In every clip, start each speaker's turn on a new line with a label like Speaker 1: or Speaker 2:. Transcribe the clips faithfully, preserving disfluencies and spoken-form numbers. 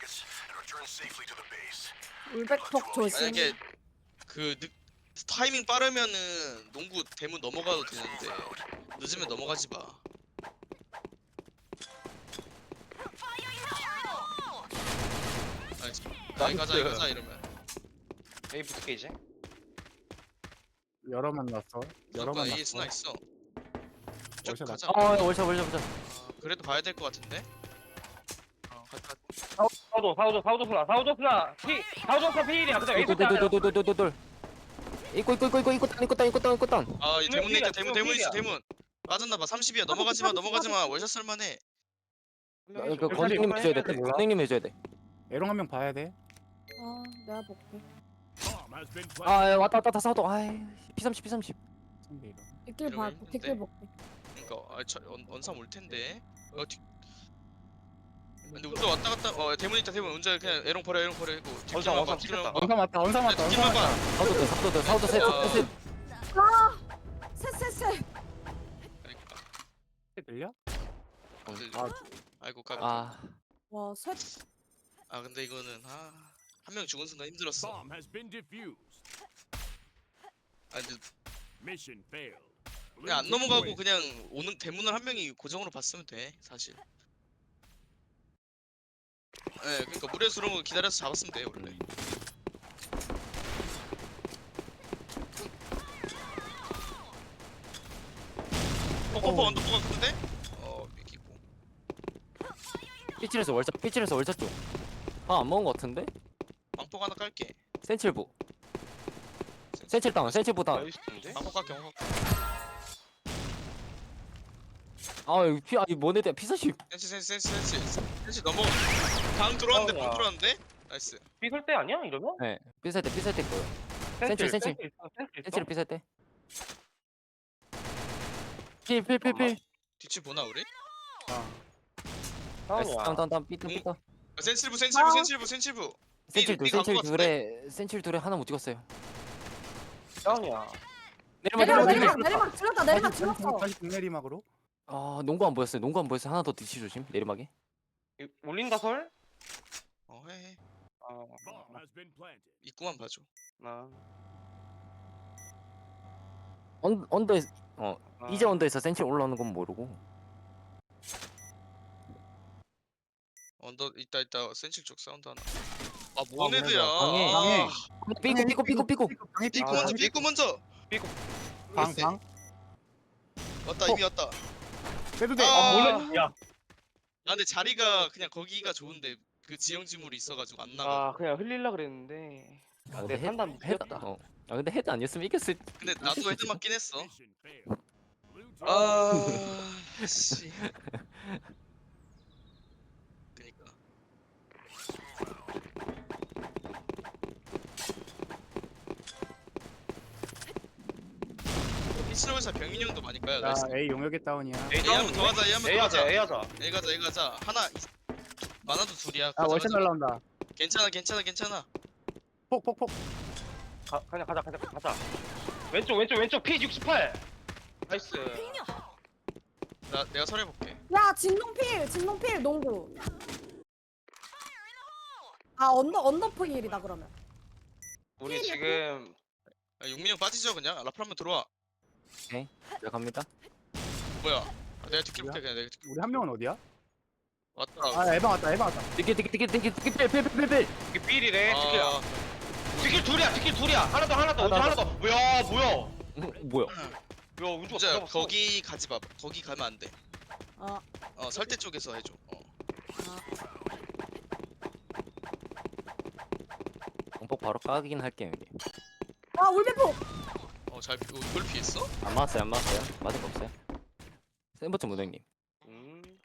Speaker 1: 울백폭 조심.
Speaker 2: 만약에 그 늦, 타이밍 빠르면은 농구 대문 넘어가도 되는데 늦으면 넘어가지 마. 아니, 여기 가자 여기 가자 이러면
Speaker 3: A 붙을게 이제.
Speaker 4: 여러 만났어. 여러
Speaker 2: 무조건 A
Speaker 4: 만났어.
Speaker 2: 스나 있어. 쭉
Speaker 4: 월샷
Speaker 2: 가자.
Speaker 5: 어 월샷 월샷 월샷.
Speaker 2: 아, 그래도 봐야 될 것 같은데. 어, 가자.
Speaker 3: 사우도 사우도 사우도 플라 사우도 플라 피 사우도 플라 피일이야. 근데 A 붙자.
Speaker 5: 돌돌돌돌돌돌돌. 이거 이거 이거 이거 이거 땅 이거 땅 이거 땅 이거 땅.
Speaker 2: 아, 이 대문 있다. 대문 대문 있어.
Speaker 3: 필이야.
Speaker 2: 대문. 맞았나 봐. 삼십이야. 넘어가지 마. 넘어가지 마. 월샷 쓸만해.
Speaker 5: 그 건행님 해줘야 돼. 건행님 해줘야 돼.
Speaker 4: 에롱 한 명 봐야 돼.
Speaker 1: 어, 내가 볼게.
Speaker 5: 아 야, 왔다 왔다 왔다 사도. 아이 피 삼십 피 삼십.
Speaker 4: 상대 이거.
Speaker 1: 뒷길 봐,
Speaker 2: 이러면
Speaker 1: 뒷길
Speaker 2: 있는데?
Speaker 1: 볼게.
Speaker 2: 그러니까 아, 저, 언, 언삼 올 텐데. 어, 뒤... 근데 운전 왔다 갔다. 어, 대문 있다. 대문 운전 그냥 에롱 버려. 에롱 버려. 이거
Speaker 3: 원삼,
Speaker 2: 뒷길만 봐.
Speaker 3: 원삼
Speaker 2: 뒷길만
Speaker 3: 찍혔다.
Speaker 2: 봐.
Speaker 4: 원삼 왔다. 원삼 왔다. 원삼
Speaker 2: 뒷길만
Speaker 4: 왔다.
Speaker 2: 봐.
Speaker 5: 사도 돼 사도 돼 사도 셋
Speaker 2: 아.
Speaker 5: 셋.
Speaker 1: 셋셋셋.
Speaker 2: 그러니까.
Speaker 4: 들려?
Speaker 2: 그,
Speaker 4: 아,
Speaker 2: 아이고 까.
Speaker 5: 아
Speaker 1: 와, 셋.
Speaker 2: 아 근데 이거는 아, 한 명 죽은 순간 힘들었어.
Speaker 6: Bomb has been defused.
Speaker 2: 아 근데
Speaker 6: Mission failed.
Speaker 2: 그냥 안 넘어가고 그냥 오는 대문을 한 명이 고정으로 봤으면 돼 사실. 예, 그러니까 물에서 들어온 거 기다려서 잡았으면 돼 원래. 포포포
Speaker 4: 어.
Speaker 2: 언더포 같은데? 어 이기고.
Speaker 5: 삐칠에서 월샷 삐칠에서 월샷 쪽. 아안 먹은 거 같은데?
Speaker 2: 방폭 하나 깔게.
Speaker 5: 센칠부. 센칠 땅 센칠부 땅.
Speaker 3: 나이스인데?
Speaker 2: 방폭 깔게. 방폭.
Speaker 5: 아 여기 피 아이 뭐네들 피 사십.
Speaker 2: 센치 센치 센치 센치 센치 넘어. 방 들어왔는데 방 들어왔는데? 나이스.
Speaker 3: 삐설 때 아니야 이러면?
Speaker 5: 네 삐살 때 삐살 때 거요. 센칠, 센칠.
Speaker 3: 센칠 있어, 센칠 있어.
Speaker 5: 센칠 삐살 때. 필필필필.
Speaker 2: 뒤치 보나 우리?
Speaker 4: 아,
Speaker 5: 나이스
Speaker 3: 다운이야.
Speaker 5: 땅땅땅 삐뚤 삐뚤.
Speaker 2: 아, 센칠부 센칠부
Speaker 1: 아.
Speaker 2: 센칠부 센칠부.
Speaker 5: 센칠
Speaker 2: 삐
Speaker 5: 둘 센칠
Speaker 2: 간거 같은데?
Speaker 5: 둘에 센칠 둘에 하나 못 찍었어요.
Speaker 3: 다운이야.
Speaker 5: 내리막
Speaker 1: 내리막,
Speaker 5: 내리막
Speaker 1: 내리막,
Speaker 5: 내리막.
Speaker 1: 내리막 질렀다, 내리막 질렀어.
Speaker 4: 다시 내리막으로.
Speaker 5: 아 농구 안 보였어요. 농구 안 보였어요. 하나 더 뒤치 조심. 내리막에.
Speaker 3: 이- 올린다 설?
Speaker 2: 어 해. 해.
Speaker 3: 아,
Speaker 6: Bomb has been planted.
Speaker 2: 입구만 봐줘.
Speaker 3: 나.
Speaker 5: 언 언더에 어
Speaker 3: 아.
Speaker 5: 이제 언더에서 센칠 올라오는 건 모르고.
Speaker 2: 언더 있다 있다 센칠 쪽 사운드 하나. 아
Speaker 4: 그래도
Speaker 2: 모네드야.
Speaker 5: 방해.
Speaker 4: 방해.
Speaker 5: 삐고 삐고 삐고 삐고.
Speaker 4: 방에
Speaker 2: 삐꾸
Speaker 3: 아,
Speaker 2: 먼저 삐꾸 먼저.
Speaker 4: 방
Speaker 2: 글쎄.
Speaker 4: 방.
Speaker 2: 왔다 이미 왔다.
Speaker 4: 빼도 돼.
Speaker 2: 아,
Speaker 3: 아,
Speaker 2: 몰라.
Speaker 3: 몰래. 야.
Speaker 2: 아 근데 자리가 그냥 거기가 좋은데 그 지형지물이 있어가지고 안 나가.
Speaker 3: 아, 그냥 흘릴라 그랬는데.
Speaker 5: 아,
Speaker 3: 내
Speaker 5: 근데 헤-
Speaker 3: 판단
Speaker 5: 헤드
Speaker 3: 미쳤다.
Speaker 5: 어. 아 근데 헤드 아니었으면 이겼을.
Speaker 2: 근데 나도 헤드 맞긴 했어.
Speaker 6: Mission failed. Blue team
Speaker 2: 아 씨. 그니까. 피치로에서 병인 형도 많이 까요.
Speaker 4: 자,
Speaker 2: 나이스.
Speaker 4: A 용역의 다운이야.
Speaker 3: A
Speaker 2: A 한번 더 가자. A 한번
Speaker 3: A
Speaker 2: 더
Speaker 3: 하자,
Speaker 2: 가자.
Speaker 3: A 하자.
Speaker 2: A 가자. A 가자. 하나 이- 많아도 둘이야.
Speaker 4: 아,
Speaker 2: 가자,
Speaker 4: 월샷
Speaker 2: 가자.
Speaker 4: 날라온다.
Speaker 2: 괜찮아 괜찮아 괜찮아.
Speaker 4: 폭, 폭, 폭.
Speaker 3: 가, 그냥 가자, 가자, 가자. 왼쪽, 왼쪽, 왼쪽 피 육십팔. 나이스.
Speaker 2: 나 내가 설해볼게.
Speaker 1: 야, 진동필, 진동필, 농구. 아, 언더, 언더포일이다, 그러면.
Speaker 3: 우리 지금
Speaker 2: 아, 용민이 형 빠지죠 그냥. 라플 한번 들어와.
Speaker 5: 자 갑니다.
Speaker 2: 뭐야? 아, 내가 뒷길 볼게 그냥 내가 뒷길.
Speaker 4: 우리 한 명은 어디야?
Speaker 2: 왔다.
Speaker 4: 아, 에방 왔다. 에방 왔다.
Speaker 5: 띠끼 띠끼 띠끼 띠끼 띠끼 필필필필.
Speaker 3: 이게 삐리래. 뒷길,
Speaker 2: 아,
Speaker 3: 뒷길 둘이야, 뒷길 둘이야. 하나 더, 하나 더,
Speaker 5: 하나
Speaker 3: 하나 더. 뭐야, 뭐야?
Speaker 5: 뭐야?
Speaker 3: 야, 운주가
Speaker 2: 진짜
Speaker 3: 가져갔어.
Speaker 2: 거기 가지 마. 거기 가면 안 돼.
Speaker 1: 어,
Speaker 2: 어 설대 쪽에서 해줘. 어.
Speaker 5: 공폭 바로 까긴 할게요 여기.
Speaker 1: 아, 울백폭.
Speaker 2: 어잘 이걸 피했어?
Speaker 5: 안 맞았어요 안 맞았어요. 맞을 거 없어요. 센버튼 무등님.
Speaker 3: 음.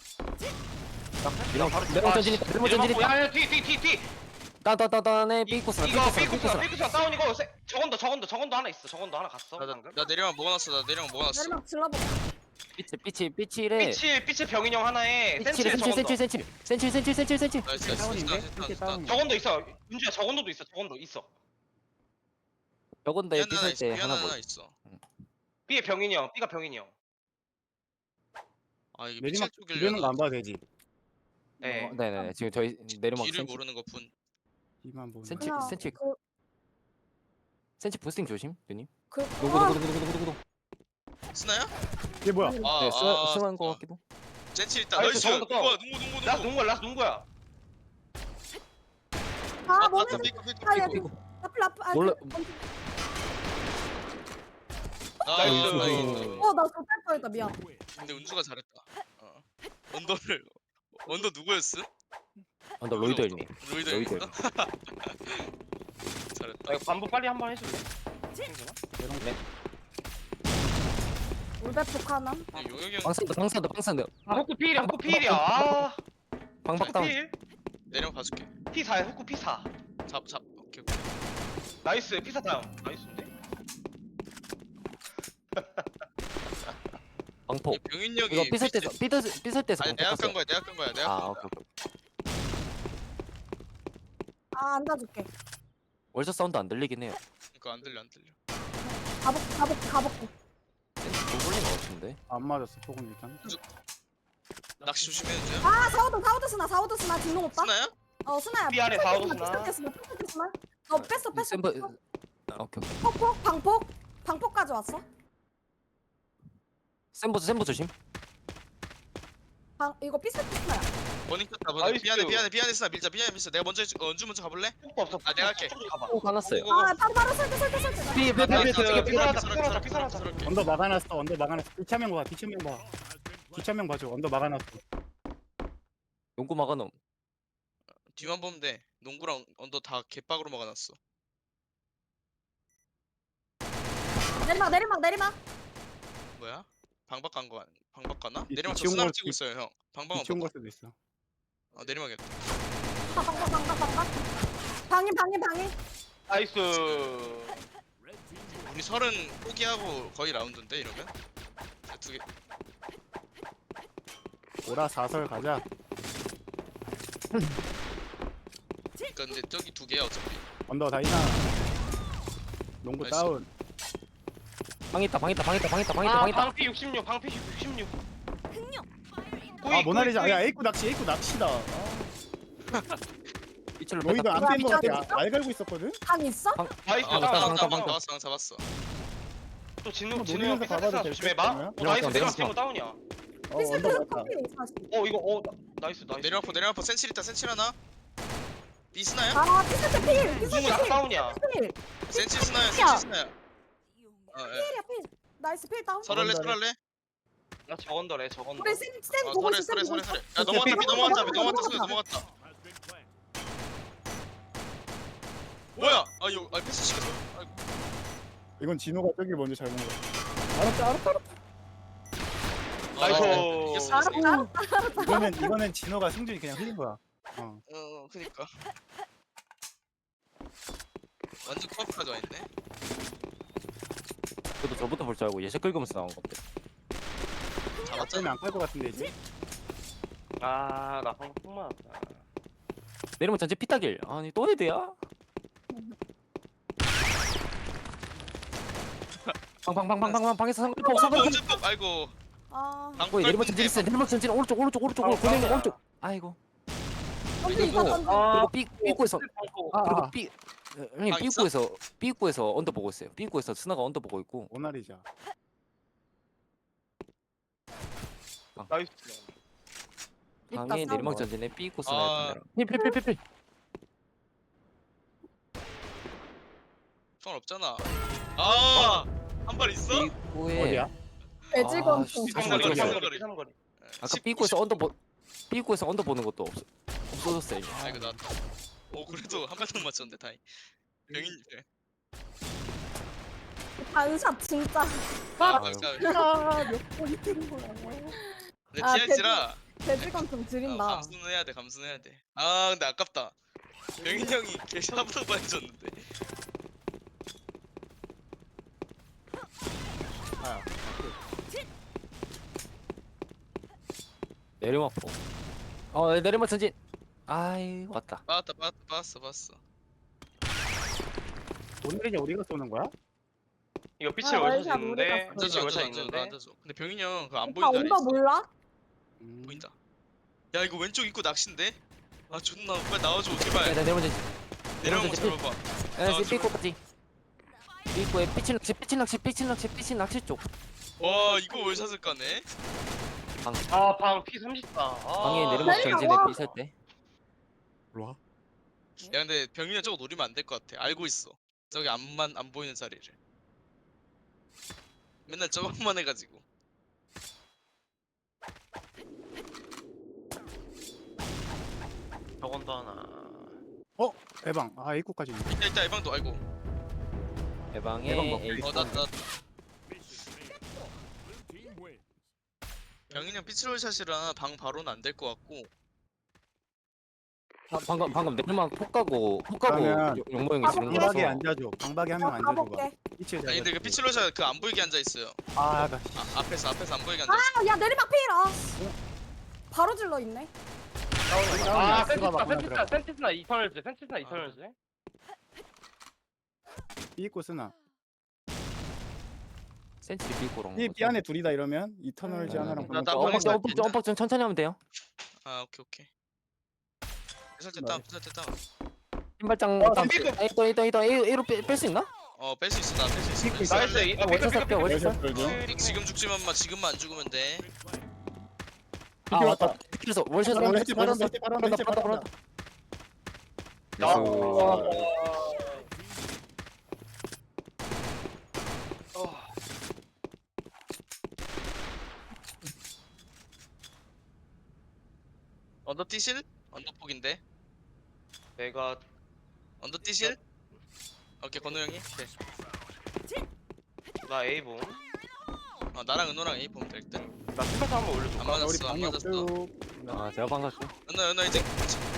Speaker 5: 이런 내가 전진이 내가 전진이
Speaker 3: 야, 야, 뒤, 뒤, 뒤, 뒤.
Speaker 5: 따따따따네 삐꾸스나
Speaker 3: 이거
Speaker 5: 삐꾸스나
Speaker 3: 삐꾸스나,
Speaker 5: 삐꾸스나.
Speaker 3: 삐꾸스나 다운이고. 세- 저건도, 저건도, 저건도 하나 있어. 저건도 하나 갔어.
Speaker 2: 나, 나,
Speaker 3: 방금.
Speaker 2: 나 내려만 먹어놨어. 나 내려만 먹어놨어.
Speaker 1: 내리막 질러볼게.
Speaker 5: 삐치 삐치 삐치래.
Speaker 3: 삐칠, 삐칠 병인 형 하나에
Speaker 5: 삐치래
Speaker 3: 센칠
Speaker 5: 센칠
Speaker 3: 저건도.
Speaker 5: 센칠 센칠 센칠 센칠 센칠 센칠.
Speaker 2: 나이스 나이스.
Speaker 4: 다운인데?
Speaker 2: 나이스,
Speaker 4: 이렇게
Speaker 2: 나이스,
Speaker 4: 다운이야.
Speaker 3: 저건도 있어. 윤주야, 저건도도 있어. 저건도 있어.
Speaker 5: 저건데
Speaker 2: 미안 하나
Speaker 5: 삐살
Speaker 2: 있어.
Speaker 5: 때
Speaker 2: 미안
Speaker 5: 하나
Speaker 2: 하나
Speaker 5: 뭐.
Speaker 2: 있어.
Speaker 3: B의 병인이 형, B가 병인이 형.
Speaker 2: 아 이게
Speaker 4: 내리막
Speaker 2: 미칠
Speaker 4: 비벼는 거
Speaker 2: 쪽이려.
Speaker 4: 안 봐도 되지.
Speaker 3: 네.
Speaker 5: 어, 네네 지금 저희 내리막
Speaker 2: 뒤를
Speaker 5: 센치
Speaker 2: 모르는 것뿐.
Speaker 4: 이만 보는.
Speaker 5: 센치
Speaker 1: 그냥
Speaker 5: 센치
Speaker 1: 그,
Speaker 5: 센치 부스팅 조심 누님.
Speaker 1: 그,
Speaker 5: 누구
Speaker 1: 아,
Speaker 5: 누구 누구 누구 누구 누구.
Speaker 2: 스나야?
Speaker 4: 이게 뭐야?
Speaker 1: 아니,
Speaker 2: 아,
Speaker 5: 네
Speaker 2: 아,
Speaker 5: 스승한거
Speaker 2: 아.
Speaker 5: 같기도.
Speaker 2: 젠치 있다.
Speaker 3: 나이스,
Speaker 2: 나이스.
Speaker 3: 저거 또.
Speaker 2: 누구야? 누구 누구
Speaker 3: 라스
Speaker 2: 누구?
Speaker 3: 농구야 라스 농구야.
Speaker 1: 아,
Speaker 2: 아,
Speaker 1: 몸에
Speaker 2: 맞다. 삐꾸 삐꾸
Speaker 1: 아, 야,
Speaker 2: 삐꾸.
Speaker 1: 라플, 라플, 아,
Speaker 5: 몰라.
Speaker 1: 그,
Speaker 2: 나이스.
Speaker 3: 나이스.
Speaker 2: 나이스.
Speaker 1: 어, 나 저탈 뻔했다, 미안.
Speaker 6: Win.
Speaker 2: 근데 운수가 잘했다. 어. 언더를 언더 누구였음?
Speaker 5: 언더 로이더 일님.
Speaker 2: 로이더
Speaker 5: 로이더
Speaker 2: 형이었어? 잘했다.
Speaker 3: 나 이거 반복 빨리 한 번 해줄래? 승준아?
Speaker 1: 울베폭 하나?
Speaker 2: 근데 용혁이 형
Speaker 5: 방산드 방산드 방산드.
Speaker 3: 아 후쿠 필이야 후쿠 필이야. 아
Speaker 5: 방박 다운.
Speaker 3: 필.
Speaker 2: 내려 봐줄게.
Speaker 3: 피 사야 후쿠 피 사.
Speaker 2: 잡 잡. 오케이 오케이.
Speaker 3: 나이스 피 사 다운. 나이스인데?
Speaker 5: 방포.
Speaker 2: 병인 형이
Speaker 5: 이거 삐설 때서
Speaker 2: 삐-
Speaker 5: 삐설 삐설 때서
Speaker 2: 아니
Speaker 5: 방포
Speaker 2: 내가
Speaker 5: 깠어요.
Speaker 2: 깐 거야. 내가 깐 거야. 내가
Speaker 5: 아
Speaker 2: 깐
Speaker 5: 오케이
Speaker 2: 거야.
Speaker 5: 오케이.
Speaker 1: 아, 앉아줄게.
Speaker 5: 월샷 사운드 안 들리긴 해요.
Speaker 2: 그러니까 안 들려 안 들려.
Speaker 1: 가복, 가복, 가복.
Speaker 5: 센치 돌린 거 같은데.
Speaker 4: 안 맞았어. 폭은 일단.
Speaker 2: 낚시 조심해야 돼.
Speaker 1: 아, 사우드, 사우드 스나, 사우드 스나, 딩동 오빠?
Speaker 2: 스나야?
Speaker 1: 어, 스나야.
Speaker 3: 삐 안에
Speaker 1: 삐끗
Speaker 3: 사우드
Speaker 1: 스나,
Speaker 3: 스나.
Speaker 1: 삐끗 스나, 삐끗 스나. 어, 뺐어, 뺐어.
Speaker 5: 센버.
Speaker 1: 뺐어.
Speaker 5: 아, 오케이 오케이.
Speaker 1: 폭폭, 방폭, 방폭까지 왔어.
Speaker 5: 센버 센버 조심.
Speaker 1: 방, 이거 삐끗 스나야.
Speaker 2: 버닝 켰다. 버닝.
Speaker 3: 나이스.
Speaker 2: 미안해 미안해 미안해 스나 밀자 미안해 밀자. 내가 먼저 해줄- 어, 언주 먼저 가볼래?
Speaker 3: 후쿠 없어.
Speaker 2: 아, 내가 할게.
Speaker 3: 가봐.
Speaker 5: 오 화났어요.
Speaker 2: 오, 오, 오.
Speaker 1: 아, 바로, 바로 설대, 설대, 설대.
Speaker 5: 삐, 삐, 삐, 삐, 삐, 삐, 삐, 삐.
Speaker 3: 삐살았다, 삐살았다, 삐살았다.
Speaker 2: 삐살았다.
Speaker 4: 언더 막아놨어. 언더 막아놨어. 뒤차명 봐. 뒤차명 봐.
Speaker 6: Has been planted.
Speaker 4: 뒤차명 봐줘. 언더 막아놨어.
Speaker 5: 용구 막아놓음.
Speaker 2: 뒤만 보면 돼. 농구랑 언더 다 개빡으로 막아놨어.
Speaker 1: 내리막, 내리막, 내리막.
Speaker 2: 뭐야? 방박 간 거, 아니- 방박 가나?
Speaker 4: 이-
Speaker 2: 내리막 저
Speaker 4: 뒤치운
Speaker 2: 스나
Speaker 4: 걸-
Speaker 2: 찍고 있어요 형. 방방은
Speaker 4: 뒤치운
Speaker 2: 뭐?
Speaker 4: 걸 수도 있어.
Speaker 2: 어 내리막이었다.
Speaker 1: 방, 방, 방, 방, 방, 방. 방인, 방인, 방인.
Speaker 3: 나이스.
Speaker 6: Red team win.
Speaker 2: 우리 서른 포기하고 거의 라운드인데 이러면? 두 개.
Speaker 4: 오라 사설 가자.
Speaker 2: 그러니까 근데 저기 두 개야 어차피.
Speaker 4: 언더 다이나. 농구
Speaker 2: 나이스.
Speaker 4: 다운.
Speaker 5: 방 있다 방 있다 방 있다 방 있다 방 있다
Speaker 3: 아
Speaker 5: 방 있다.
Speaker 3: 방피 육십육 방피 육십육.
Speaker 4: 아 모나리자. 야 에이쿠 낚시. 에이쿠 낚시다. 아,
Speaker 5: 이철로
Speaker 4: 너희도
Speaker 5: 뺐다.
Speaker 4: 안
Speaker 1: 야,
Speaker 4: 뺀 거 같아.
Speaker 1: 미쳤어?
Speaker 4: 아, 알 걸고 있었거든.
Speaker 1: 방 있어?
Speaker 3: 나이스
Speaker 2: 아
Speaker 5: 맞다,
Speaker 3: 다운
Speaker 2: 맞다
Speaker 3: 다운
Speaker 5: 맞다,
Speaker 3: 다운.
Speaker 2: 맞다.
Speaker 5: 맞다.
Speaker 2: 잡았어 형 잡았어.
Speaker 3: 또 진우
Speaker 4: 뭐
Speaker 3: 진우 형
Speaker 4: 노리면서
Speaker 3: 피사
Speaker 4: 가봐도
Speaker 3: 사
Speaker 4: 될
Speaker 3: 조심해봐.
Speaker 4: 것
Speaker 3: 어
Speaker 4: 같나요?
Speaker 3: 나이스
Speaker 5: 내려왔어,
Speaker 3: 내려왔어
Speaker 5: 내려왔어.
Speaker 3: 다운이야.
Speaker 4: 어
Speaker 1: 비슷해,
Speaker 4: 언더
Speaker 1: 그
Speaker 4: 맞다.
Speaker 1: 커피 사실.
Speaker 3: 어 이거 어 나- 나이스 나이스.
Speaker 2: 내려와포 내려와포 센칠 있다 센칠 하나. 비스나야?
Speaker 1: 아, 비슷해, 필. 비슷해,
Speaker 3: 진우 나
Speaker 1: 필.
Speaker 3: 다운이야.
Speaker 1: 필.
Speaker 2: 센칠 스나야
Speaker 1: 야.
Speaker 2: 센칠 스나야. 어 예.
Speaker 1: 필이야, 필. 나이스, 필 다운.
Speaker 2: 설할래
Speaker 4: 저건다네.
Speaker 2: 설할래?
Speaker 3: 나 저건더래 저건더.
Speaker 1: 우리 센, 센
Speaker 2: 아
Speaker 1: 보고
Speaker 2: 설해
Speaker 1: 있어, 센
Speaker 2: 설해
Speaker 1: 보고
Speaker 2: 설해
Speaker 1: 있어.
Speaker 2: 설해. 야 넘어갔다 비 넘어갔다 비 넘어갔다 소리 넘어갔다.
Speaker 6: Has been planted.
Speaker 2: 뭐야? 아 이거 아 패스 시켰어. 아이고.
Speaker 4: 이건 진호가 저기 먼저 잘 본 거야. 알았다 알았다 알았다.
Speaker 3: 나이스.
Speaker 2: 아, 이겼어 이겼어.
Speaker 1: 알았다.
Speaker 4: 이거는 이거는 진호가 승준이 그냥 흘린 거야. 어.
Speaker 2: 어 그니까. 완전 코앞까지 와 있네.
Speaker 5: 저도 저부터 볼 줄 알고 예색 긁으면서 나온 건데.
Speaker 4: 어쩌면
Speaker 2: 잡았잖아.
Speaker 4: 안깔 것 같은데 이제.
Speaker 3: 아나 방금 폭 맞았다.
Speaker 5: 내리면 전체 피타길. 아니 또 헤드야? 방방방방방 방에서 상글포
Speaker 2: 어,
Speaker 5: 상글포.
Speaker 2: 언제 또 아이고.
Speaker 1: 아,
Speaker 2: 방금
Speaker 5: 내리면 전진 있어. 내리면 전진 오른쪽 오른쪽 오른쪽 오른쪽
Speaker 3: 아,
Speaker 5: 보내는
Speaker 3: 아.
Speaker 5: 오른쪽. 아이고.
Speaker 1: 던지 있다,
Speaker 5: 그리고-
Speaker 1: 던지.
Speaker 3: 아
Speaker 5: 그리고 삐 삐꾸에서
Speaker 4: 아,
Speaker 5: 그리고
Speaker 4: 아.
Speaker 5: 삐 형님
Speaker 2: 방 있어?
Speaker 5: 삐꾸에서 삐꾸에서 언더 보고 있어요. 삐꾸에서 스나가 언더 보고 있고.
Speaker 4: 모나리자.
Speaker 3: 나이스.
Speaker 1: 있다,
Speaker 5: 방에
Speaker 1: 싸워.
Speaker 5: 내리막 전진에 삐꾸
Speaker 2: 아.
Speaker 5: 스나. 필필필필필.
Speaker 2: 성 없잖아. 아, 한 발 있어?
Speaker 5: 삐꾸에
Speaker 4: 어디야?
Speaker 1: 돼지건
Speaker 5: 아, 씨,
Speaker 1: 좀.
Speaker 5: 다시
Speaker 2: 삼거리,
Speaker 5: 맞춰서.
Speaker 2: 삼거리.
Speaker 3: 삼거리.
Speaker 5: 아까 삐꾸에서 언더 보 삐꾸에서 언더 보는 것도 없어 없어졌어요. 이제.
Speaker 2: 아 이거 나왔다. 오 그래도 한 발도 못 맞췄는데 다행. 병인. 예.
Speaker 1: 반샷 진짜.
Speaker 2: 아,
Speaker 5: 아유.
Speaker 2: 그러니까
Speaker 1: 아몇 번이 뜬 거야.
Speaker 2: 근데
Speaker 1: 아,
Speaker 2: 티알지라
Speaker 1: 돼지건 좀
Speaker 2: 어,
Speaker 1: 지린다.
Speaker 2: 감수는 해야 돼, 감수는 해야 돼. 아 근데 아깝다. 병인 형이 개 샤브로바 해줬는데.
Speaker 4: 아.
Speaker 5: 내리막 포. 어 내리막 전진. 아이 왔다.
Speaker 2: 빠았다, 빠았다, 빠았어, 빠았어.
Speaker 4: 모나리자 우리가 쏘는 거야?
Speaker 3: 이거 빛을
Speaker 1: 아,
Speaker 3: 월샷
Speaker 1: 월샷
Speaker 3: 있는데.
Speaker 1: 우리가
Speaker 3: 빛을
Speaker 2: 앉아줘,
Speaker 3: 월샷
Speaker 2: 앉아줘, 앉아줘,
Speaker 3: 있는데.
Speaker 2: 앉아줘. 근데 병인 형그 안
Speaker 1: 오빠
Speaker 2: 보인다
Speaker 1: 온다
Speaker 2: 그랬어.
Speaker 1: 몰라?
Speaker 4: 음.
Speaker 2: 보인다. 야 이거 왼쪽 입구 낚시인데? 아 존나 빨리 나와줘
Speaker 5: 야,
Speaker 2: 제발.
Speaker 5: 나 내려오지.
Speaker 2: 내려온 거
Speaker 5: 내려오지.
Speaker 2: 잡아봐.
Speaker 5: 야,
Speaker 2: 아,
Speaker 5: 삐꼬까지. 삐꼬에 삐친 낚시, 삐친 낚시, 삐친 낚시, 삐친 낚시 쪽.
Speaker 2: 와 이거 월샷을 까네.
Speaker 3: 아방 피 삼십사. 아.
Speaker 5: 방에 내려막
Speaker 1: 내려,
Speaker 5: 전진에
Speaker 1: 와.
Speaker 5: 삐살 때.
Speaker 4: 일로 와.
Speaker 2: 야 근데 병민이 저거 노리면 안 될 것 같아. 알고 있어. 저기 앞만 안 보이는 자리를. 맨날 저것만 해가지고.
Speaker 3: 저건도 하나.
Speaker 4: 해방. 아 입구까지.
Speaker 2: 이따 이따 예방도 아이고.
Speaker 5: 대방에
Speaker 4: 대방 먹고
Speaker 5: 에이.
Speaker 2: 어 나 나
Speaker 6: Mission failed. Blue team wins.
Speaker 2: 병인이 형 피치롤샷이라 방 바로는 안 될 것 같고.
Speaker 5: 아, 방금 방금 내려막 폭 가고 폭 가고
Speaker 4: 그러면
Speaker 5: 용모 형이 지른
Speaker 1: 방박에
Speaker 4: 방박에
Speaker 5: 거라서.
Speaker 4: 앉아줘. 방박에 한 명
Speaker 1: 나
Speaker 4: 앉아줘봐.
Speaker 1: 가볼게.
Speaker 4: 이치에
Speaker 2: 아니 근데 그 피치롤샷 그 안 보이게 앉아 있어요.
Speaker 4: 아, 나
Speaker 2: 아, 앞에서 앞에서 안 보이게 앉아 있어.
Speaker 1: 아, 야 내리막 피해라. 바로 질러 있네.
Speaker 3: 아
Speaker 4: 들어가 봐,
Speaker 3: 센티스나
Speaker 4: 하나
Speaker 3: 센티스나 센티스나 이터널즈 센티스나 이터널즈.
Speaker 4: 이 입구 쓰나.
Speaker 5: 센치리 삐꼬랑.
Speaker 4: 이, 이 안에 둘이다 이러면 이터널즈
Speaker 5: 네.
Speaker 4: 하나랑
Speaker 2: 나- 나
Speaker 4: 방박.
Speaker 2: 방에서
Speaker 5: 어, 뻑뻑 뻑뻑 좀 천천히 하면 돼요.
Speaker 2: 아 오케이 오케이. 피살때 다운 피살때 다운.
Speaker 5: 신발장
Speaker 3: 어,
Speaker 5: 다음.
Speaker 3: 삐꼬.
Speaker 5: 에이 또 에이 또 에이 또 에이 A로 뺄 수 있나?
Speaker 2: 어 뺄 수 있어 나 뺄 수 있어.
Speaker 3: 나이스. 이- 아,
Speaker 5: 월차
Speaker 3: 삐끗,
Speaker 5: 살게
Speaker 3: 삐끗,
Speaker 5: 월차.
Speaker 4: 월샷 돌죠.
Speaker 2: 픽 지금 죽지만 마 지금만 안 죽으면 돼.
Speaker 5: 아 왔다. 그래서 월차
Speaker 4: 바로
Speaker 5: 월차
Speaker 4: 했지, 바로
Speaker 5: 월차
Speaker 4: 했지, 바로
Speaker 5: 바로
Speaker 4: 했지,
Speaker 5: 바로
Speaker 4: 바로
Speaker 5: 바로.
Speaker 2: 언더 뛰실? 언더 폭인데.
Speaker 3: 내가
Speaker 2: 언더 뛰실? 오케이 건우 형이. 오케이.
Speaker 3: 나 A봉.
Speaker 2: 어 나랑 은호랑 A 보면 될 듯.
Speaker 3: 나 스페셜 한번 올려줘.
Speaker 2: 안
Speaker 4: 아, 우리
Speaker 2: 맞았어 안
Speaker 4: 방이
Speaker 2: 맞았어.
Speaker 4: 없어요.
Speaker 5: 아 제가 방금 죠
Speaker 2: 은호 은호 이제.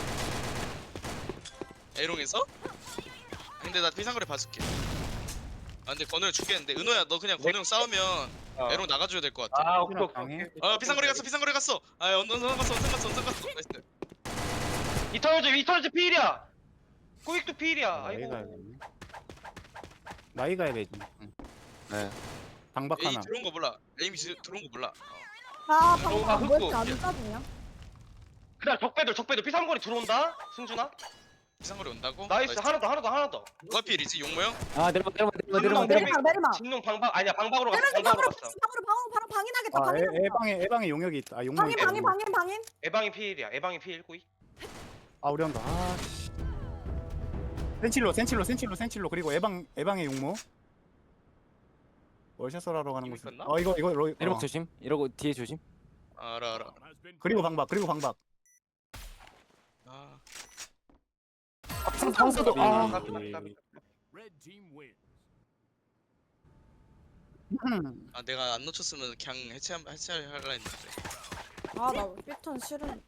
Speaker 2: A롱에서? 근데 나 피상거리 봐줄게. 아 근데 건우 형 죽겠는데. 은호야 너 그냥 건우 형 싸우면
Speaker 3: 어.
Speaker 2: A롱 나가줘야 될 것 같아.
Speaker 3: 아 오케이 오케이.
Speaker 4: 방해.
Speaker 3: 오케이.
Speaker 2: 아 피상거리 갔어 피상거리 갔어. 아 언더 언더 갔어 언더 갔어 언더 갔어. 나이스.
Speaker 3: 이터널즈 이터널즈 필이야. 꾸익도 필이야.
Speaker 4: 나이
Speaker 3: 아이고.
Speaker 4: 가야겠네. 나이 가야 되지. 응.
Speaker 5: 네.
Speaker 4: 방박
Speaker 2: A
Speaker 4: 하나.
Speaker 2: 들어온 거 몰라. A 들어온 거 몰라. 어.
Speaker 1: 아,
Speaker 3: 너무
Speaker 1: 방금 왜 이렇게
Speaker 3: 흑고.
Speaker 1: 안 짜주냐?
Speaker 3: 그다음 적배들 적배들 피삼거리 들어온다. 승준아.
Speaker 2: 피상거리 온다고?
Speaker 3: 나이스 하나 더 하나 더 하나 더.
Speaker 2: 누가 필이지 용모 형?
Speaker 5: 아 내려막 내려막 내려막 내려막
Speaker 3: 내려막,
Speaker 5: 내려막.
Speaker 1: 내리막 내리막.
Speaker 3: 진농 방방 아니야 방방으로 갔어.
Speaker 1: 내려서
Speaker 3: 방방으로
Speaker 1: 방으로
Speaker 3: 갔어.
Speaker 1: 방으로 방으로 바로 방인하겠다.
Speaker 4: 아, 애,
Speaker 1: 방인
Speaker 4: 애방에 애방에 용역이 있다. 아, 용역.
Speaker 1: 방인 방인 방인 방인.
Speaker 3: 에방이 필이야. 에방이 필 꾸익.
Speaker 4: 아, 우리 한다. 아. 씨. 센칠로, 센칠로, 센칠로, 센칠로. 그리고 애방 애방의 용모. 월샷설하러 가는
Speaker 2: 이미
Speaker 4: 곳.
Speaker 2: 끝나?
Speaker 4: 어, 이거 이거 로,
Speaker 5: 내려막
Speaker 4: 어.
Speaker 5: 조심. 이러고 뒤에 조심.
Speaker 2: 알아 알아.
Speaker 6: Bomb has been
Speaker 4: 그리고 방박, 그리고 방박.
Speaker 2: 아
Speaker 5: 항상 항상도 아.
Speaker 3: 까비, 까비, 까비.
Speaker 6: red team wins.
Speaker 4: 음.
Speaker 2: 아 내가 안 놓쳤으면 그냥 해체 해체하려 했는데
Speaker 1: 아, 나 피턴 싫은.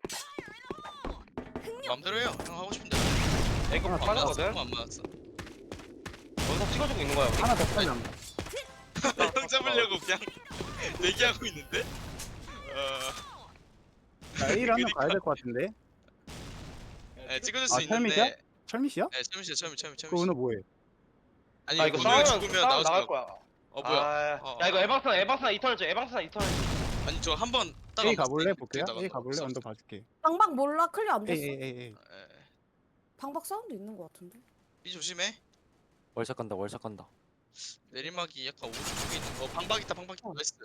Speaker 2: 마음대로 해요. 형 하고 싶은데.
Speaker 3: 이거
Speaker 2: 안 맞았어.
Speaker 3: 파나거든.
Speaker 2: 안 맞았어.
Speaker 3: 원석 찍어주고 있는 거야. 우리.
Speaker 4: 하나 더 빨리 안
Speaker 2: 형 잡으려고 그냥 얘기하고 있는데. 어
Speaker 4: 자, A를 한명
Speaker 2: 그니까.
Speaker 4: 가야 될 것 같은데.
Speaker 2: 네, 찍어줄
Speaker 4: 아,
Speaker 2: 수 있는데.
Speaker 4: 철미시야? 철미시야?
Speaker 2: 네 철미 씨 철미 철미
Speaker 4: 그
Speaker 2: 철미 씨.
Speaker 4: 은호 뭐해?
Speaker 2: 아니
Speaker 3: 아 이거
Speaker 2: 건우 형
Speaker 3: 싸우면
Speaker 2: 죽으면
Speaker 3: 싸움
Speaker 2: 나오지
Speaker 3: 나갈
Speaker 2: 말고.
Speaker 3: 거야.
Speaker 2: 어 뭐야?
Speaker 3: 아,
Speaker 2: 어,
Speaker 3: 야 이거
Speaker 2: 어.
Speaker 3: 에방스나 에방스나 이터널즈 에방스나 이터널즈.
Speaker 2: 아니 저 한번 따라.
Speaker 4: A 가볼래? 볼게요. A 가볼래? 언더 봐줄게.
Speaker 1: 방박 몰라 클리어 안
Speaker 4: A
Speaker 1: 됐어.
Speaker 4: A A A.
Speaker 1: 방박 사운드 있는 거 같은데.
Speaker 2: B 조심해.
Speaker 5: 월샷 간다 월샷 간다.
Speaker 2: 내리막이 약간 오른쪽 쪽에 있는. 어 방박 있다 방박 있다. 나이스.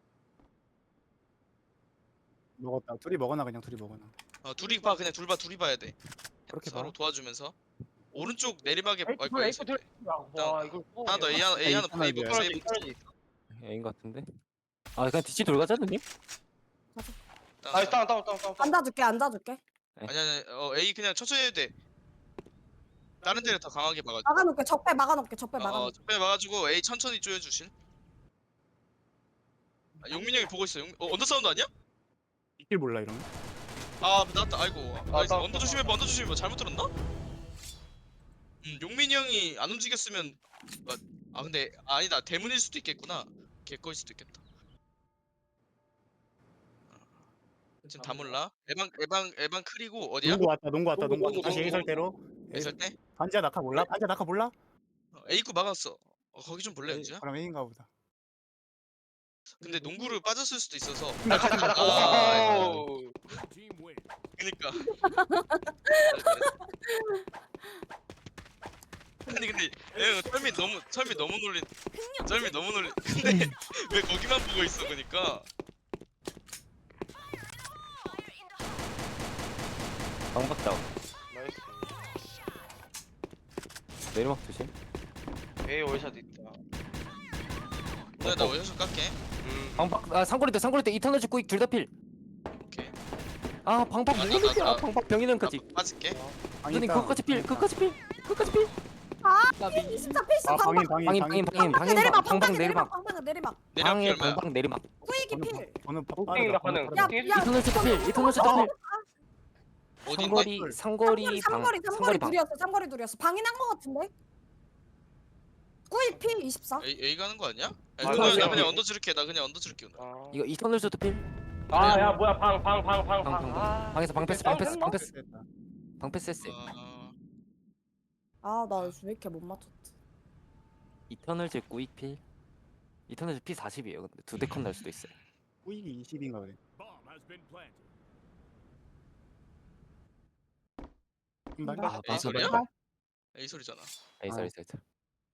Speaker 4: 먹었다. 둘이 먹어놔 그냥 둘이 먹어놔.
Speaker 2: 어 둘이 봐 그냥 둘 봐 둘이 봐야 돼.
Speaker 4: 그렇게
Speaker 2: 서로
Speaker 4: 봐.
Speaker 2: 도와주면서. 오른쪽 내리막에
Speaker 3: 에이프
Speaker 2: 아,
Speaker 3: 에이프 들. 와 이거 또-
Speaker 2: 하나 더 A 하나 A 하나
Speaker 4: 이터널
Speaker 2: A 보
Speaker 4: 줘야
Speaker 2: A
Speaker 3: 이터널즈
Speaker 2: 보.
Speaker 3: 이터널즈.
Speaker 5: 애인 같은데. 아 그냥 뒤치 돌가자 누님.
Speaker 3: 나이스 다운 다운 다운 다운.
Speaker 1: 앉아줄게 앉아줄게.
Speaker 2: 아니 아니 어 A 그냥 천천히 해도 돼. 다른 데를 더 강하게 막아.
Speaker 1: 막아놓게 적배 막아놓게 적배
Speaker 2: 어,
Speaker 1: 막아놓게.
Speaker 2: 적배 막아주고 A 천천히 쪼여주실. 아, 용민 형이 보고 있어. 용... 어 언더 사운드 아니야?
Speaker 4: 이길 몰라 이러면.
Speaker 2: 아 나왔다. 아이고. 나이스.
Speaker 3: 나-
Speaker 2: 언더 조심해봐. 언더 조심해봐. 잘못 들었나? 음 용민이 형이 안 움직였으면 아, 아 근데 아니다. 대문일 수도 있겠구나. 개꺼일 수도 있겠다. 지금 다 몰라. 에방 에방 에방 크리고 어디야?
Speaker 4: 농구 왔다. 농구 왔다. 농구 왔다.
Speaker 3: 농구,
Speaker 4: 다시
Speaker 3: 농구.
Speaker 4: A 설대로.
Speaker 2: 있을 때?
Speaker 4: 반지야 낙하 몰라? 반지야 낙하 몰라?
Speaker 2: 어, A 구 막았어. 어, 거기 좀 볼래
Speaker 4: A-
Speaker 2: 은지야?
Speaker 4: 그럼 A인가 보다.
Speaker 2: 근데 농구를 빠졌을 수도 있어서.
Speaker 3: 아 가자 가자
Speaker 2: 아,
Speaker 3: 오.
Speaker 6: Blue team win.
Speaker 2: 그니까. 아니 근데 야, 철미 너무 철미 너무 놀린. 철미 너무 놀린. 근데 왜 거기만 보고 있어 그니까.
Speaker 5: 방박 다운.
Speaker 3: 나이스.
Speaker 5: 내리막 조심.
Speaker 3: A 월샷 있다.
Speaker 2: 나 나 원샷 깎게.
Speaker 3: 음.
Speaker 5: 방박 아 상거리 때 상거리 때 이터널 쭉 둘 다 필.
Speaker 2: 오케이.
Speaker 5: 아 방박
Speaker 2: 아, 나,
Speaker 5: 누구야?
Speaker 2: 나, 나.
Speaker 5: 방박 병인은까지.
Speaker 2: 나 빠질게.
Speaker 5: 선생님 그거까지 필. 그거까지 필. 그거까지 필.
Speaker 1: 아,
Speaker 5: 나비.
Speaker 1: 이십사 필수
Speaker 4: 아 방인
Speaker 1: 방방.
Speaker 4: 방인
Speaker 5: 방인
Speaker 4: 방인
Speaker 5: 방인 방인
Speaker 1: 방방
Speaker 5: 방인
Speaker 1: 내리막,
Speaker 5: 방방
Speaker 1: 방방
Speaker 5: 내리막.
Speaker 1: 내리막, 방방 내리막.
Speaker 2: 내려갈
Speaker 5: 방에
Speaker 2: 얼마야?
Speaker 5: 방방 내리막.
Speaker 1: 꾸이기 필.
Speaker 4: 저는
Speaker 3: 땡이다, 가능.
Speaker 1: 야,
Speaker 3: 땡.
Speaker 1: 야,
Speaker 5: 이터널 쭉 필. 이터널 쭉 필.
Speaker 2: 어딘데?
Speaker 5: 상거리 상거리
Speaker 1: 삼거리,
Speaker 5: 방
Speaker 1: 삼거리, 삼거리
Speaker 5: 상거리 방.
Speaker 1: 둘이었어. 삼거리 둘이었어. 방인한 거 같은데? 꾸이 필 이십사.
Speaker 2: A A 가는 거 아니야? 야,
Speaker 3: 아,
Speaker 2: 그러면
Speaker 3: 맞아.
Speaker 2: 나 그냥 언더 줄게. 나 그냥 언더 줄게 오늘.
Speaker 3: 아.
Speaker 5: 이거 이터널 쭉 필.
Speaker 3: 아야 뭐야 방 방 방 방
Speaker 5: 방, 방,
Speaker 3: 방. 아.
Speaker 5: 방에서 방 패스 방 패스 방 패스 방 패스 했어.
Speaker 2: 아,
Speaker 1: 아, 나 요즘 왜 이렇게 못 맞췄지?
Speaker 5: 이터널 즈 꾸익 필. 이터널 즈 피 사십이에요. 근데 두 대 컷 날 수도 있어요.
Speaker 4: 꾸이기 이십인가 그래.
Speaker 6: Bomb has been planted.
Speaker 4: 한 발.
Speaker 5: 아,
Speaker 2: A 소리야?
Speaker 1: 발.
Speaker 2: A 소리잖아.
Speaker 5: 에이
Speaker 4: 아.
Speaker 5: 쏘리 쏘리 쏘리.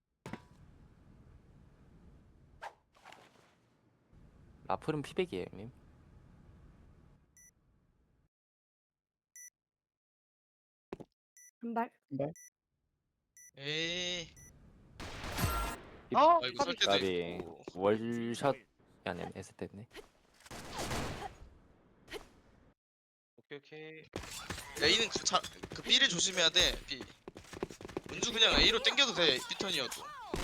Speaker 5: 라플은 피백이에요, 형님.
Speaker 1: 한 발.
Speaker 2: 에이.
Speaker 3: 어?
Speaker 2: 아이고 설 때도
Speaker 5: 나비
Speaker 2: 있고.
Speaker 5: 월샷 아니 했을 때네.
Speaker 3: 오케이 오케이.
Speaker 2: A는 그, 자, 그 B를 조심해야 돼. B. 은주 그냥 A로 땡겨도 돼. B 턴이어도.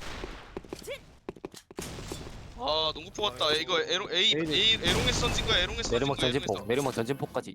Speaker 2: 아 농구포 같다. 이거 에롱 A
Speaker 4: A는-
Speaker 2: A 에롱에서 던진 거야. 에롱에서 던진
Speaker 5: 내리막
Speaker 2: 거야.
Speaker 5: 전진폭,
Speaker 2: 에롱에서.
Speaker 5: 내리막 전진폭까지.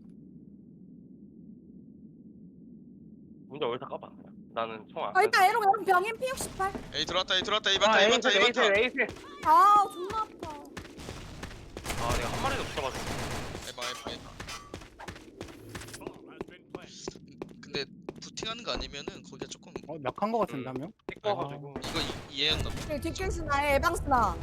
Speaker 3: 먼저 월샷 까봐. 나는 총 안.
Speaker 1: 아, 일단 에롱 에롱 병인 피 육십팔.
Speaker 2: A 들어왔다. A 들어왔다. A
Speaker 3: 아
Speaker 2: 맞다. A
Speaker 3: 에이스
Speaker 2: 맞다. A
Speaker 3: 에이스
Speaker 2: 맞다.
Speaker 3: 에이스.
Speaker 1: 아, 존나 아파.
Speaker 3: 아 내가 한 마리도 못 잡아줬어.
Speaker 2: 에바 에바 에바.
Speaker 6: Bomb has been planted.
Speaker 2: 근데 부팅하는 거 아니면은 거기가 조금
Speaker 4: 어 약한 거 같은데 한 명?
Speaker 3: 띠꺼가지고.
Speaker 2: 이거 이, 이해했나 봐.
Speaker 1: 그리고 뒷길스나 에방스나.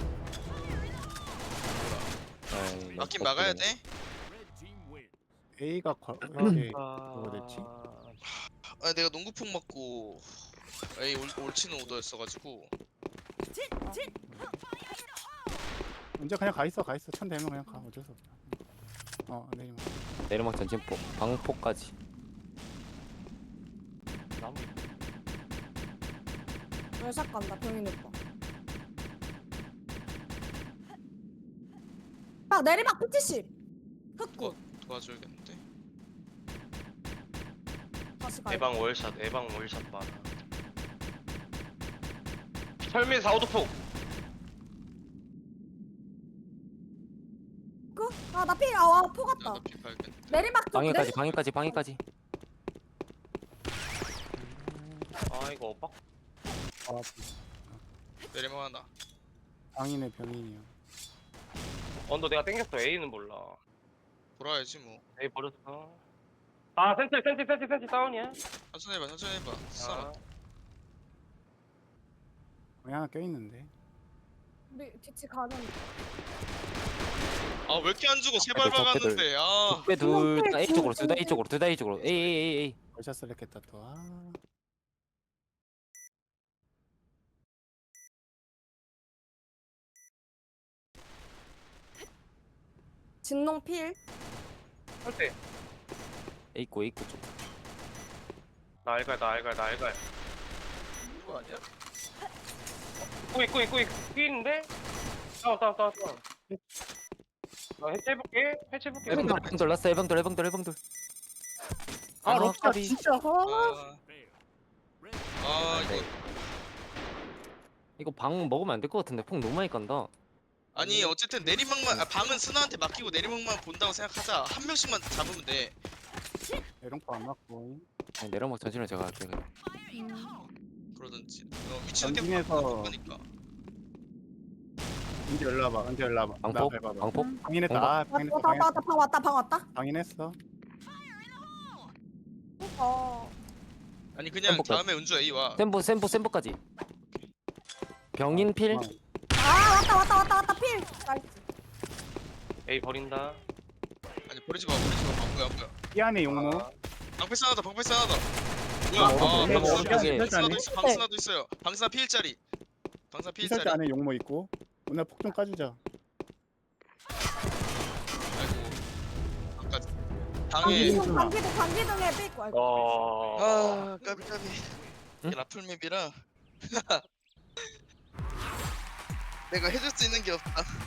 Speaker 5: 에이,
Speaker 2: 막긴
Speaker 5: 너무
Speaker 2: 막아야
Speaker 5: 빡세네.
Speaker 2: 돼.
Speaker 6: Red team win.
Speaker 4: A가 거 이렇게
Speaker 3: 아.
Speaker 4: 뭐가 됐지?
Speaker 2: 아 내가 농구폭 맞고 A 올, 올치는 오더였어가지고.
Speaker 4: 언제 그냥 가 있어 가 있어 천 대면 그냥 가 어쩔 수 없다. 어 내리막.
Speaker 5: 내리막 전진폭, 방폭까지.
Speaker 3: 나무.
Speaker 1: 월샷 간다 병인 오빠. 막 내리막 피 칠십. 흑구.
Speaker 2: 도와줘야겠는데.
Speaker 1: 다시 가.
Speaker 3: 에방 월샷 에방 월샷 많아. 철민 사오도폭.
Speaker 1: 그? 아, 나 피, 아, 와, 포 같다.
Speaker 2: 야나 피 봐야겠네.
Speaker 1: 내리막 쪽
Speaker 5: 방해까지,
Speaker 1: 내리-
Speaker 5: 방해까지, 방해까지.
Speaker 3: 아 이거 오빠.
Speaker 4: 아
Speaker 2: 내리막 하나.
Speaker 4: 방인의 병인이야.
Speaker 3: 언더 내가 땡겼어. A는 몰라.
Speaker 2: 돌아야지 뭐.
Speaker 3: A 버렸어. 아 센치 센치 센치 센치 다운이야.
Speaker 2: 천천히 해봐. 천천히 해봐. 아.
Speaker 3: 아.
Speaker 4: 방이 하나 껴 있는데.
Speaker 1: 우리 뒤치 가는.
Speaker 2: 아왜 이렇게 안 주고 세발
Speaker 5: 아이고,
Speaker 2: 박았는데. 아.
Speaker 5: 적배 둘, 다 A
Speaker 1: 중,
Speaker 5: 쪽으로, 둘 다 A
Speaker 1: 중.
Speaker 5: 쪽으로, 둘 다 A 쪽으로. 에이, 에이, 에이, 에이.
Speaker 4: 월샷 셀렉했다 또. 아.
Speaker 1: 진농 필.
Speaker 3: 할때
Speaker 5: A 고, A 고 쪽.
Speaker 3: 나 알갈 나 알갈 나 알갈.
Speaker 2: 이거 아니야?
Speaker 3: 꾸이 꾸이 꾸이 꾸이는데? 싸워 싸워 싸워 싸워. 나 해체해볼게 해체해볼게.
Speaker 5: 에방돌, 에방돌, 라스 에방돌, 에방돌, 에방돌.
Speaker 4: 아
Speaker 5: 아,
Speaker 4: 럭샷
Speaker 5: 까비.
Speaker 4: 진짜. 아.
Speaker 2: 아,
Speaker 6: Fail. Red
Speaker 2: 아 이거
Speaker 5: 이거 방 먹으면 안 될 것 같은데 폭 너무 많이 간다.
Speaker 2: 아니 어쨌든 내리막만 아, 방은 스나한테 맡기고 내리막만 본다고 생각하자. 한 명씩만 잡으면 돼.
Speaker 4: 에롱파 안 맞고.
Speaker 5: 아니, 내려막 전진을 제가 할게 그냥.
Speaker 1: 음.
Speaker 2: 그러든지. 어, 위치는 계속
Speaker 4: 전진해서
Speaker 2: 바꾸니까.
Speaker 4: 언제 연락 와봐. 언제 연락 와봐. 나
Speaker 5: 방폭,
Speaker 4: 밟아봐.
Speaker 5: 방폭.
Speaker 4: 방인했다.
Speaker 5: 방법.
Speaker 4: 아
Speaker 1: 왔다,
Speaker 4: 방인했어.
Speaker 1: 왔다, 왔다, 왔다, 방 왔다, 방 왔다.
Speaker 4: 방인했어.
Speaker 1: 어.
Speaker 2: 아니 그냥
Speaker 5: 템포까지.
Speaker 2: 다음에 은주 A 와.
Speaker 5: 샘보, 샘보, 샘보까지. 병인 필.
Speaker 4: 어.
Speaker 1: 아, 왔다, 왔다, 왔다, 왔다, 필. 나이스.
Speaker 3: A 버린다.
Speaker 2: 아니 버리지 마 버리지 마 방구야 방구야.
Speaker 4: 이 안에 용모.
Speaker 3: 아,
Speaker 2: 방패스 하나다 방패스 하나다. 뭐야?
Speaker 4: 어,
Speaker 2: 아
Speaker 4: 네,
Speaker 2: 방스나
Speaker 5: 네, 네.
Speaker 2: 방스나도 있어 방스나도 있어요. 방스나 피일짜리. 방스나
Speaker 4: 이설대
Speaker 2: 피일짜리.
Speaker 4: 안에 용모 있고. 오늘 폭 좀 까주자.
Speaker 2: 아이고 아까
Speaker 1: 방기
Speaker 2: 당에
Speaker 4: 음.
Speaker 1: 등 방기 등 방기 등에 삐고. 아이고.
Speaker 3: 어.
Speaker 2: 아 까비 까비.
Speaker 5: 응?
Speaker 2: 이게 라플맵이라 내가 해줄 수 있는 게 없다.